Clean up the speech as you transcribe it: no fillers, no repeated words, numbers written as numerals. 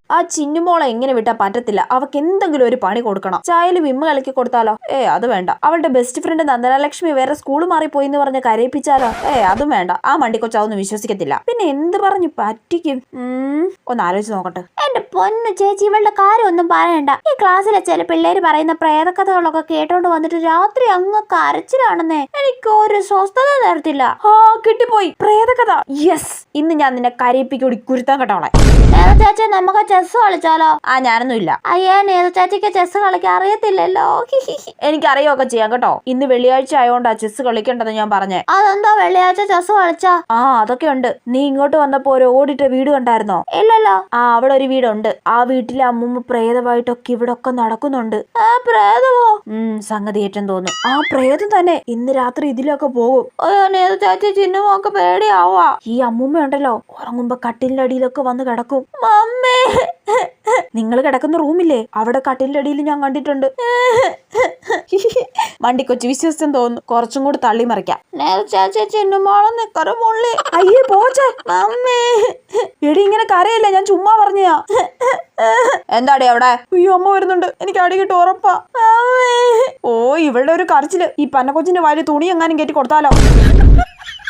ആ ചിന്നുമോളെ എങ്ങനെ വിട്ടാ പറ്റത്തില്ല. അവക്ക് എന്തെങ്കിലും ഒരു പണി കൊടുക്കണം. ചായയിൽ വിമ്മ് കലക്കി കൊടുത്താലോ? അത് വേണ്ട. അവളുടെ ബെസ്റ്റ് ഫ്രണ്ട് നന്ദനലക്ഷ്മി വേറെ സ്കൂൾ മാറിപ്പോയി എന്ന് പറഞ്ഞ് കരയിപ്പിച്ചാലോ? അതും വേണ്ട. ആ മണ്ടിക്കൊച്ചാവൊന്നും വിശ്വസിക്കത്തില്ല. പിന്നെ എന്ത് പറഞ്ഞു പറ്റിക്കും? ഒന്ന് ആലോചിച്ച് നോക്കട്ടെ. എന്റെ പൊന്നു ചേച്ചി, ഇവളുടെ കാര്യം ഒന്നും പറയണ്ട. ഈ ക്ലാസ്സിലെ ചില പിള്ളേര് പറയുന്ന പ്രേതകഥകളൊക്കെ കേട്ടോണ്ട് വന്നിട്ട് രാത്രി അങ്ങ് കരച്ചിലാണെന്നേ. എനിക്ക് ഒരു സ്വസ്ഥത തരത്തില്ല. കിട്ടിപ്പോയി പ്രേതകഥ. യെസ്, ഇന്ന് ഞാൻ നിന്നെ കരയിപ്പിക്കൂടി കുരുത്താൻ കേട്ടോളെ. ചേച്ചി, നമുക്ക് ചെസ് കളിച്ചാലോ? ഞാനൊന്നും ഇല്ല. അയ്യാ, നേത ചേച്ചിക്ക് ചെസ് കളിക്കാൻ അറിയത്തില്ലല്ലോ. എനിക്കറിയൊക്കെ ചെയ്യാം കേട്ടോ. ഇന്ന് വെള്ളിയാഴ്ച ആയോണ്ടാ ചെസ് കളിക്കേണ്ടത് ഞാൻ പറഞ്ഞേ. അതെന്താ വെള്ളിയാഴ്ച ചെസ് കളിച്ചാ? അതൊക്കെ ഉണ്ട്. നീ ഇങ്ങോട്ട് വന്നപ്പോ ഒരു ഓടിട്ട വീട് കണ്ടായിരുന്നോ? ഇല്ലല്ലോ. അവിടെ ഒരു വീടുണ്ട്. ആ വീട്ടിലെ അമ്മൂമ്മ പ്രേതമായിട്ടൊക്കെ ഇവിടെ ഒക്കെ നടക്കുന്നുണ്ട്. പ്രേതമോ? സംഗതി ഏറ്റവും തോന്നും. പ്രേതം തന്നെ. ഇന്ന് രാത്രി ഇതിലൊക്കെ പോകും. നേത ചേച്ചി, ചിന്നുമൊക്കെ പേടിയാവാ. ഈ അമ്മൂമ്മ ഉണ്ടല്ലോ, ഉറങ്ങുമ്പോ കട്ടിലിന്റെ അടിയിലൊക്കെ വന്ന് കിടക്കും. മമ്മേ, നിങ്ങൾ കിടക്കുന്ന റൂമില്ലേ, അവിടെ കട്ടിലിന്റെ അടിയിൽ ഞാൻ കണ്ടിട്ടുണ്ട്. മണ്ടിക്കൊച്ചു വിശ്വസിച്ചെന്ന് തോന്നുന്നു. കുറച്ചും കൂടി തള്ളി മറിക്കാം. അയ്യേ പോച്ചേ. എടി ഇങ്ങനെ കരയില്ല, ഞാൻ ചുമ്മാ പറഞ്ഞാ. എന്താടി അവിടെ? അയ്യോ, അമ്മ വരുന്നുണ്ട്. എനിക്ക് അടി കിട്ടും ഉറപ്പാ. ഇവളുടെ ഒരു കരച്ചില്. ഈ പന്നക്കൊച്ചിന്റെ വായിൽ തുണി എങ്ങാനും കയറ്റി കൊടുത്താലോ?